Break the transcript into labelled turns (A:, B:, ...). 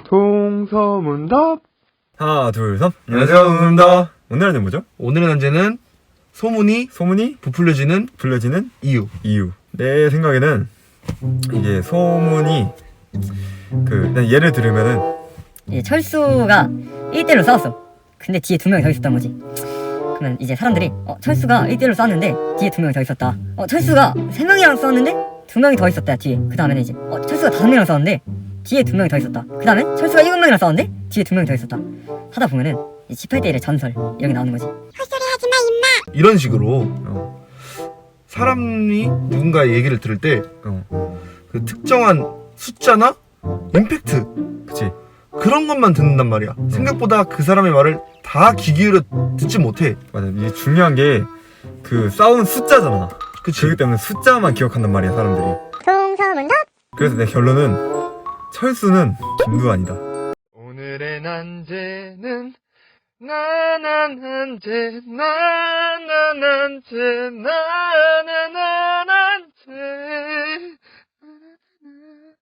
A: 동서문답.
B: 하나, 둘, 셋. 안녕하세요, 동서문답. 오늘의 문제 뭐죠?
C: 오늘의 난제는 소문이 부풀려지는 이유.
B: 내 생각에는 이게 소문이 그냥 예를 들으면은
D: 이제 철수가 1대1로 싸웠어. 근데 뒤에 2명이 더 있었던 거지. 그러면 이제 사람들이 철수가 1대1로 싸웠는데 뒤에 2명이 더 있었다. 철수가 3명이랑 싸웠는데 2명이 더 있었다 뒤에. 그 다음에는 이제 철수가 5명이랑 싸웠는데 뒤에 2명이 더 있었다. 그 다음에 철수가 7명이랑 싸웠는데 뒤에 2명이 더 있었다. 하다 보면은 18대1의 전설 이런 게 나오는 거지.
E: 헛소리 하지마 임마.
C: 이런 식으로 사람이 누군가의 얘기를 들을 때 그 특정한 숫자나 임팩트
B: 그치.
C: 그런 것만 듣는단 말이야. 생각보다 그 사람의 말을 다 귀 기울여 듣지 못해.
B: 맞아. 이게 중요한 게 그 싸운 숫자잖아.
C: 그치?
B: 그렇기 때문에 숫자만 기억한단 말이야, 사람들이.
E: 동서문답.
B: 그래서 내 결론은 철수는 김두한이다.
A: 오늘의 난제는 나나난제 나나난제 나나나